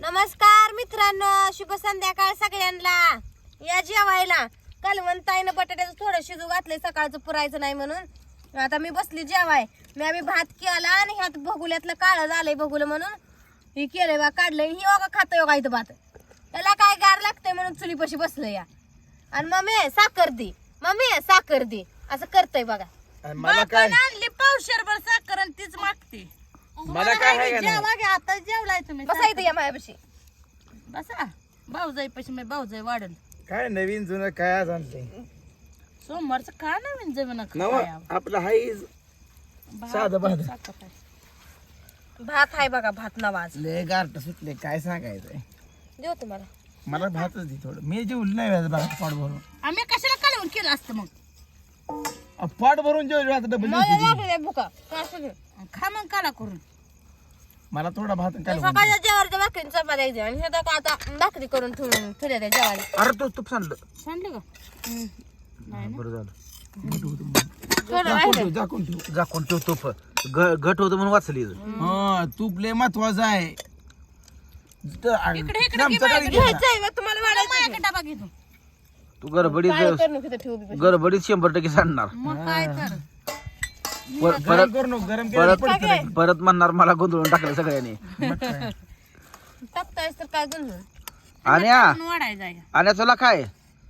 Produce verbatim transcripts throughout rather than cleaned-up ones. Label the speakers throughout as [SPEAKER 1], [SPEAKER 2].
[SPEAKER 1] नमस्कार मित्रांनो, शुभ संध्याकाळ सगळ्यांना. या जेवायला कालवंताईनं बटाट्याचं थोडं शिजू घातलंय, सकाळचं पुरायचं नाही म्हणून. आता मी बसली जेवाय. मी आम्ही भात केला आणि ह्यात भगुल्यातलं काळं झालंय भगुलं म्हणून हे केलंय बा, काढलंय. ही बघा खातोय बघा इथं भात. त्याला काय गार लागतंय म्हणून चुलीपाशी बसलं या. आणि मम्मी साखर दे, मम्मी साखर दे, असं करतय बघा.
[SPEAKER 2] मला काय
[SPEAKER 3] आणली पावशेरभर साखर आणि तीच मागते.
[SPEAKER 2] मला काय आहे का नाही?
[SPEAKER 3] जेवा घ्या आता, जेवलाय तुम्ही.
[SPEAKER 1] बसा इथं या मायापाशी.
[SPEAKER 3] बसा. भाऊजाई पशी मी भाऊजाई वाढल.
[SPEAKER 2] काय नवीन जुनं काय आज आणलंय?
[SPEAKER 3] सोमवारचं का नवीन जमीन
[SPEAKER 2] नव आपलं हाय साधं भात.
[SPEAKER 1] भात आहे बघा, भात नवाज
[SPEAKER 2] लय गारट सुटले, काय सांगायचंय.
[SPEAKER 1] देऊ तुम्हाला.
[SPEAKER 2] मला भातच दे थोडं. मी जेवलं नाही व्याज बघा, पोट भरून.
[SPEAKER 3] आम्ही कशाला कालवून केलं असतं मग?
[SPEAKER 2] अ, पोट भरून जेवलं आता डबल
[SPEAKER 1] मला लागले भुका काय असू दे.
[SPEAKER 3] खा मग काला करून.
[SPEAKER 2] मला थोडा भात काय
[SPEAKER 1] सकाळच्या जेवायच्या भाकरी चपात्या द्या आणि हे तर आता भाकरी करून ठेवून ठेवल्या त्या जेवायला.
[SPEAKER 2] अरे तो तूप सांडलं.
[SPEAKER 3] सांडलं का?
[SPEAKER 2] बरं झालं.
[SPEAKER 1] थोडं राहिलंय.
[SPEAKER 2] झाकून ठेव.
[SPEAKER 4] झाकून ठेव तूप घट होतं म्हणून वाचली.
[SPEAKER 2] हा तूप लय महत्वाचं आहे.
[SPEAKER 3] इकडे इकडे
[SPEAKER 2] आमचं काय घे.
[SPEAKER 1] घ्यायचंय मग तुम्हाला वाढायचं.
[SPEAKER 3] माझ्याकडे डबा घेतो.
[SPEAKER 4] तू गडबडीत
[SPEAKER 1] काय करू नको इथं ठेवू बी.
[SPEAKER 4] गडबडीत शंभर टक्के सांडणार.
[SPEAKER 3] मग काय तर.
[SPEAKER 4] पर-
[SPEAKER 2] गरम
[SPEAKER 4] परत
[SPEAKER 2] करू नको, गरम
[SPEAKER 4] परत
[SPEAKER 2] केलं पडतं.
[SPEAKER 4] परत म्हणणार मला गोंधळून टाकलं सगळ्यांनी.
[SPEAKER 1] टाकतायस तर काय गुण.
[SPEAKER 4] आणि आ-
[SPEAKER 3] पण वाढायचा आहे.
[SPEAKER 4] आणि तुला काय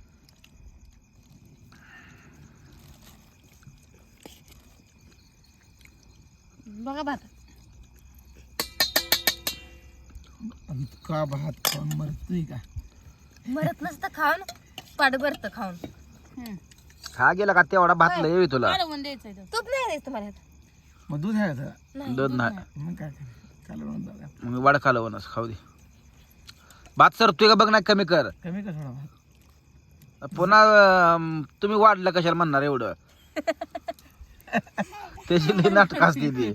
[SPEAKER 1] बघा भात.
[SPEAKER 2] इतका भात खाऊन मरतोय का?
[SPEAKER 1] मरत नसतं खाऊन, पाड भरत खाऊन.
[SPEAKER 3] हम्म.
[SPEAKER 4] खा गेला का तेवढा भात लय येवी तुला.
[SPEAKER 3] कालवून द्यायचंय तर.
[SPEAKER 1] तूप नाही द्यायचं तुम्हाला ह्यात.
[SPEAKER 2] मग दूध आहे का जरा?
[SPEAKER 4] दूध नाही
[SPEAKER 2] मग काय करायचं? कालवण बघा.
[SPEAKER 4] मग वाढ खालवणच खाऊ दे. भात सरतोय का बघ ना, कमी कर.
[SPEAKER 2] कमी का थोडा भात?
[SPEAKER 4] पुन्हा अं, तुम्ही वाढलं कशाला म्हणणार एवढं. त्याची लई नाटक असते ती.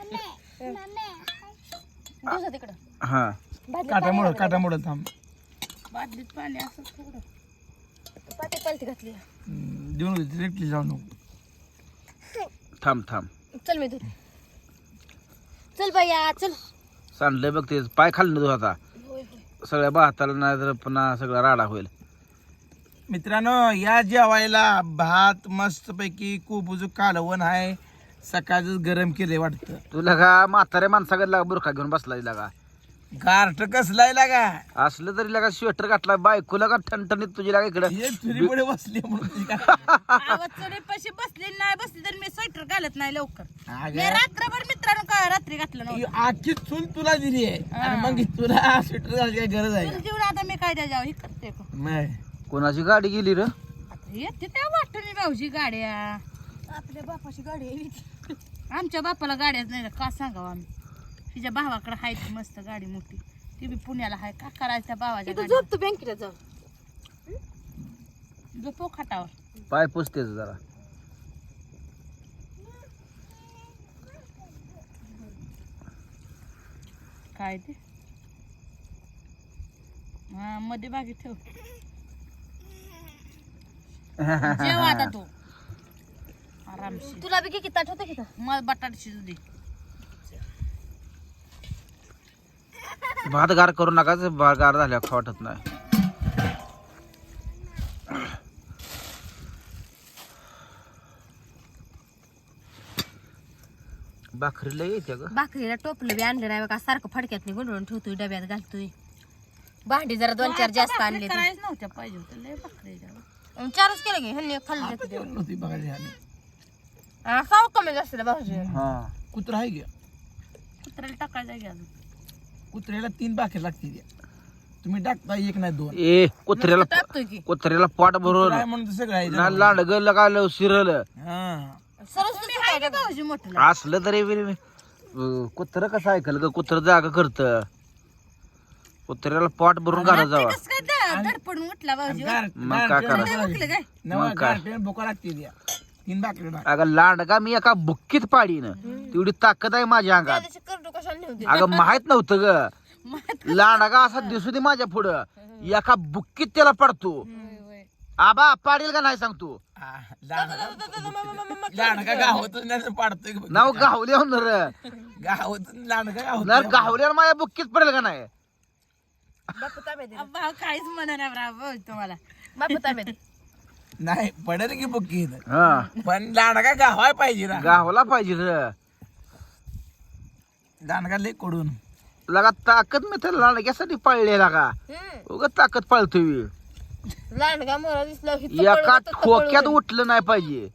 [SPEAKER 1] दिवसा तिकडं
[SPEAKER 4] हा
[SPEAKER 1] भाजी
[SPEAKER 2] काटा मोड काटा मोड थांब.
[SPEAKER 3] बादलीत पाणी असं थोडं.
[SPEAKER 1] पाटी पालती घातली.
[SPEAKER 2] हम्म, देऊन डिरेक्टली जाऊ नको.
[SPEAKER 4] थांब थांब
[SPEAKER 1] चल मी दूध. चल बाया चल.
[SPEAKER 4] सांडलंय बघ ते, पाय खाल्लं तू आता.
[SPEAKER 1] होय होय.
[SPEAKER 4] सगळ्या भाताला नाही तर पुन्हा सगळा राडा होईल.
[SPEAKER 2] मित्रांनो या जेवायला भात मस्त पैकी कोबूज कालवण आहे. सकाळच गरम केले वाटतं.
[SPEAKER 4] तुला का म्हाताऱ्या माणसाकडे लागा बुरखा घेऊन बसला लागा.
[SPEAKER 2] गारठ कसलाय लागा.
[SPEAKER 4] असलं तरी लागा स्वेटर घातला, बायकोला का ठणठणीत तुझी लागा इकडं.
[SPEAKER 2] हे चुलीपुढे बसली म्हणून तुझी काय?
[SPEAKER 3] आवाज चढीपाशी बसली नाही बसली तर मी स्वेटर घालत नाही लवकर.
[SPEAKER 2] अगं,
[SPEAKER 3] मी रात्रभर मित्रांनो का रात्री घातलं
[SPEAKER 2] ही
[SPEAKER 3] नव्हतं.
[SPEAKER 2] आखी चूल तुला दिली आहे आणि मग तुला स्वेटर घालायची काय गरज आहे
[SPEAKER 3] पण
[SPEAKER 2] का?
[SPEAKER 3] जेवढं आता मी काय द्या हे करते का.
[SPEAKER 2] नाही.
[SPEAKER 4] कोणाची गाडी गेली र?
[SPEAKER 3] आता येते त्या वाटतं मी भाऊजी गाड्या.
[SPEAKER 1] आपल्या बापाची गाडी आहे.
[SPEAKER 3] आमच्या बापाला गाड्याच नाही का सांगावं आम्ही. तिच्या भावाकडे आहे ती मस्त गाडी मोठी. ती बी पुण्याला आहे. का करायचं त्या भावाच्या
[SPEAKER 1] इथं
[SPEAKER 3] गाडीला?
[SPEAKER 1] झोपतो बँकेला जाऊन.
[SPEAKER 3] झोपो खाटावर.
[SPEAKER 4] पाय पुसतेच जरा.
[SPEAKER 3] काय ते हा मध्ये बागी ठेव. जेव आता तू आरामशी.
[SPEAKER 1] तुला बी किती ताट होतं की इथं?
[SPEAKER 3] मला बटाटा शिजू दे.
[SPEAKER 4] भात गार करू नका, भात गार झाल्यावर खाऊ वाटत नाही. भाकरीला येते ग.
[SPEAKER 1] भाकरीला टोपलं बी आणलं नाही बघा, सारखं फडक्यात गुंडळून ठेवतोय, डब्यात घालतोय. भांडी जरा दोन चार जास्त
[SPEAKER 3] भाकरी
[SPEAKER 1] आणले.
[SPEAKER 3] करायच नव्हत्या पाहिजे होत्या. लय भाकरी द्यावं.
[SPEAKER 1] चारच केलं की ह्यांनी खाल्लं.
[SPEAKER 2] आता जेवण नव्हती बघायची आम्ही.
[SPEAKER 1] खाऊ कमी जास्त भाऊजी.
[SPEAKER 4] हा
[SPEAKER 2] कुत्रा आहे घ्या.
[SPEAKER 3] कुत्र्याला टाकायला घ्या अजून.
[SPEAKER 2] कुत्र्याला तीन बाकी लागतील. तुम्ही टाकता एक नाही दोन.
[SPEAKER 4] ए कुत्र्याला
[SPEAKER 1] टाकतोय की
[SPEAKER 4] कुत्र्याला पोट भरून
[SPEAKER 2] काय म्हणून तर सगळं आहे.
[SPEAKER 4] ना लांडग लगाल शिरल
[SPEAKER 2] हा.
[SPEAKER 1] सरस
[SPEAKER 3] तुम्ही आहे का भाऊजी मोठं?
[SPEAKER 4] असलं तरी बी कुत्र कसं ऐकल ग? कुत्र जागा करत. कुत्र्याला पोट भरून घालत जावा.
[SPEAKER 3] कसं काय द- धडपडून उठला भाऊजी.
[SPEAKER 2] गार-
[SPEAKER 4] मग
[SPEAKER 2] गार
[SPEAKER 4] काय
[SPEAKER 2] पेंड
[SPEAKER 4] करायचं?
[SPEAKER 2] भुका
[SPEAKER 3] उठलं काय?
[SPEAKER 2] नवा
[SPEAKER 4] मग काय?
[SPEAKER 2] गार पेंड भुका लागतील या. तीन बाकी टाक.
[SPEAKER 4] अगं लांडगा मी एका बुक्कीत पाडीन. तेवढी ताकद आहे माझ्या अंगात.
[SPEAKER 1] त्याची करडू कशाला नेऊ
[SPEAKER 4] अगं माहित नव्हतं ग. लांडगा असा दिसू दे माझ्या पुढं, एका बुक्कीत त्याला पडतो. आबा पाडील का नाही सांगतो.
[SPEAKER 2] लांडगा गावातून नाही तर पाडतोय बघ.
[SPEAKER 4] नाव गावल्या र
[SPEAKER 2] गावातून लांडगा
[SPEAKER 4] नर
[SPEAKER 2] गावात
[SPEAKER 4] गावल्यावर माझ्या बुक्कीत पडेल का नाही.
[SPEAKER 1] तांबे दे
[SPEAKER 3] भाऊ काहीच म्हणा भाऊ तुम्हाला
[SPEAKER 1] बापू तांबे दे.
[SPEAKER 2] नाही पडेल की बुक्की
[SPEAKER 4] हा
[SPEAKER 2] पण लांडगा गावाय पाहिजे ना
[SPEAKER 4] गावाला पाहिजे र
[SPEAKER 2] लांडगा लय कडून
[SPEAKER 4] लगा ताकद मी त्याला लांडग्यासाठी पाळले लागा
[SPEAKER 1] हम्म.
[SPEAKER 4] उगा ताकद पाळतोय
[SPEAKER 1] लांडगा मोरा दिसला की
[SPEAKER 4] एका ठोक्यात उठलं नाही पाहिजे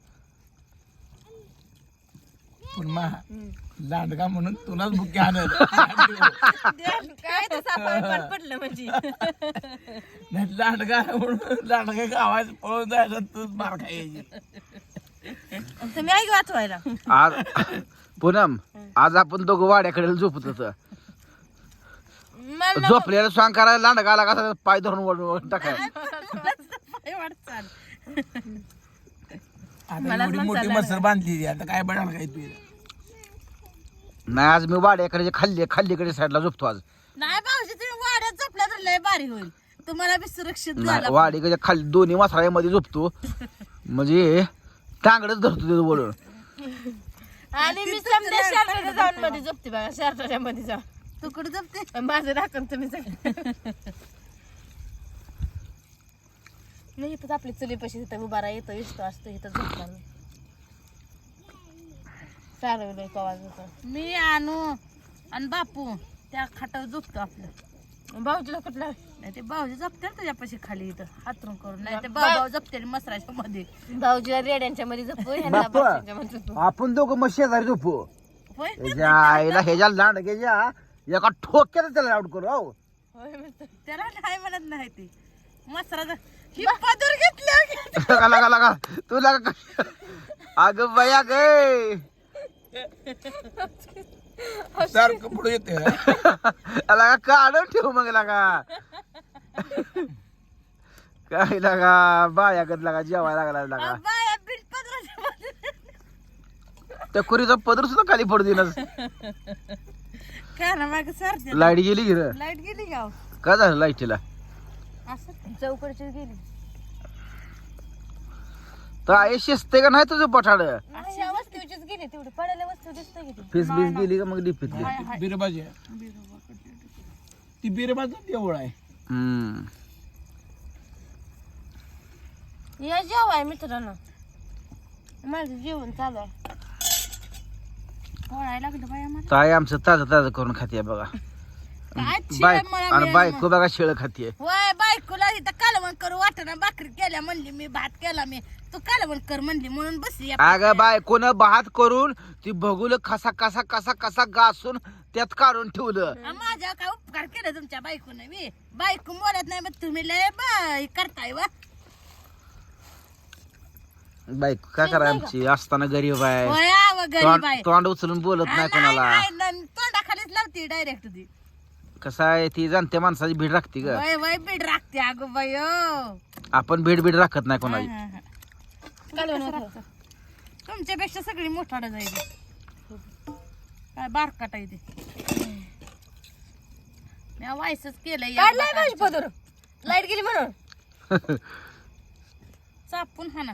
[SPEAKER 2] पण मा लांडगा म्हणून तुलाच बुक्की आणत
[SPEAKER 1] काय तर सापड पडलं म्हणजे
[SPEAKER 2] नाही लांडगा म्हणून लांडगा गावात पळून जायचं तूच मार खायची
[SPEAKER 1] तुम्ही ऐक वाचवायला
[SPEAKER 4] आज पूनम आज आपण दोघं वाड्याकडे झोपत होत
[SPEAKER 1] मला नको.
[SPEAKER 4] झोपलेलं स्वांग करायला लांडगा आला का पाय धरून वळून टाकाय
[SPEAKER 3] पाय वाटचाल
[SPEAKER 2] आता एवढी मोठी मसर बांधली आता काय बडाल काय तू
[SPEAKER 4] नाही आज मी वाड्याकडे खाल्ली खाल्लीकडे साईडला झोपतो आज
[SPEAKER 3] नाही भाऊजी तुम्ही वाड्यात झोपला तर लय भारी होईल तुम्हाला बी सुरक्षित
[SPEAKER 4] नाही
[SPEAKER 3] झालं
[SPEAKER 4] वाडीकडे खाली दोन्ही मसाळ्यामध्ये झोपतो म्हणजे टांगडच धरतो तिथं बोलून
[SPEAKER 1] आणि मी समजा शर्टाच्या जाऊन मध्ये झोपते बघा शर्टाच्या मध्ये जाऊन
[SPEAKER 3] तू कुठे झोपते
[SPEAKER 1] माझं राखण तुम्ही सगळं नाही इथंच आपली चुलीपाशी तिथं उभा राहा येतो इष्ट असतो इथं झोपणार मी चालवलंय कवाज होतं
[SPEAKER 3] मी आणू आणि बापू त्या खाटावर झोपतो आपलं
[SPEAKER 1] भाऊजीला कुठला
[SPEAKER 3] नाही ते भाऊजी झोपते त्याच्यापाशी खाली इथं हातरून करून नाही ते भाऊ भाऊ झोपते मसराच्या मध्ये
[SPEAKER 1] भाऊजीला रेड्यांच्या मध्ये झोपू ह्यांना
[SPEAKER 4] बाप्पा.
[SPEAKER 1] बापशांच्या मध्ये झोपू
[SPEAKER 4] आपण दोघं मग शेजारी झोपू
[SPEAKER 3] होय
[SPEAKER 4] ह्याच्या आईला ह्याच्या लांडग्याच्या एका ठोक्यात त्याला आउट करू हो
[SPEAKER 1] होय म्हणतो.
[SPEAKER 3] त्याला नाही म्हणत नाही ते मसराचा ही पदर घेतली
[SPEAKER 4] लगा लगा लगा तू लगा अगं बया गे
[SPEAKER 2] सारखं पुढे येते
[SPEAKER 4] लगा काढून ठेवू मग लगा काय लगा बायागत लागा जेवायला लागला लागा
[SPEAKER 3] बाया बिल पदराच्या मध्ये
[SPEAKER 4] त्या कुरीचा पदर सुद्धा खाली पडू दिला
[SPEAKER 3] काय ना माग सरते
[SPEAKER 4] लाईट गेली की रे
[SPEAKER 3] लाईट गेली गाव
[SPEAKER 4] काय झालं लाईटीला
[SPEAKER 3] असं
[SPEAKER 1] चौकडची गेली
[SPEAKER 4] तर आई शिजते का नाही तुझं पठाड
[SPEAKER 1] अशा वस्तूचीच गेली तेवढी पडायला वस्तू दिसते किती
[SPEAKER 4] फीस बीस गेली का मग डिपीतली
[SPEAKER 2] बिरबाजी ती बिरबाज देवळ आहे
[SPEAKER 4] हम्म
[SPEAKER 1] या जेवाय मित्रांनो माझं जेवण चालू आहे
[SPEAKER 3] पोळायला लागलं बाया मला
[SPEAKER 4] ताई आमचं ताजं ताजं करून खाते बघा
[SPEAKER 3] काय
[SPEAKER 4] बाय
[SPEAKER 3] शिळं मला
[SPEAKER 4] आणि
[SPEAKER 3] मिळालं
[SPEAKER 4] बायको बघा शिळ खाते
[SPEAKER 3] वय बायकोला इथं कालवण करू वाटना भाकरी केल्या म्हणली मी भात केला मी तू कालवण कर म्हणली म्हणून बसली
[SPEAKER 4] अगं बायकोनं भात करून ती बघूल कसा कसा कसा कसा गासून त्यात काढून ठेवलं
[SPEAKER 3] आ, माझ्या काय उपकार केले तुमच्या बायकोने मी बायको बोलत नाही मग तुम्ही लय बाय करताय वा
[SPEAKER 4] बायको काय करा आमची असताना गरीब आहे
[SPEAKER 3] वय आव गरीब आहे
[SPEAKER 4] तोंड तोंड उचलून बोलत
[SPEAKER 3] आ,
[SPEAKER 4] नाही
[SPEAKER 3] नाही,
[SPEAKER 4] कोणाला
[SPEAKER 3] नाही, नाही, तोंडाखालीच लावते डायरेक्ट ती
[SPEAKER 4] कसं आहे ती जाणत्या माणसाची भीड राखते ग
[SPEAKER 3] वय वय बीड राखते अगं बाय
[SPEAKER 4] आपण भीड भीड राखत नाही कोणाची
[SPEAKER 1] कालवण होतं.
[SPEAKER 3] तुमच्यापेक्षा सगळी मोठाड जाईल काय बारकाट आहे ते मी वायसच केलंय या
[SPEAKER 1] काढलाय माझी पदर लाईट गेली म्हणून
[SPEAKER 3] चापून हा ना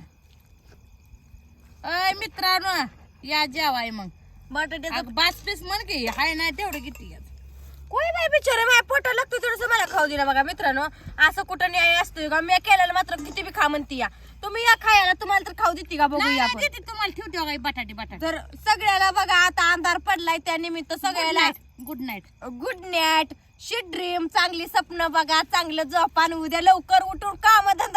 [SPEAKER 3] अय मित्रांनो या जेवाय मग
[SPEAKER 1] बटाट्याचं
[SPEAKER 3] अगं बास पीस म्हण की हाय नाही तेवढं किती घ्या
[SPEAKER 1] कोणी बाई बिचारे माझ्या पोटा लागतो थोडस मला खाऊ दिला बघा मित्रांनो असं कुठं न्याय असतोय का मी केलेलं मात्र किती बी खा म्हणती या तुम्ही या खायला तुम्हाला तर खाऊ देते का बघूया आपण
[SPEAKER 3] किती तुम्हाला ठेवते काही बटाटे बटाटे
[SPEAKER 1] तर सगळ्याला बघा आता अंधार पडलाय त्या निमित्त सगळ्याला
[SPEAKER 3] good night
[SPEAKER 1] good night sweet dream चांगली स्वप्न बघा चांगलं जपान उद्या लवकर उठून काम धंदा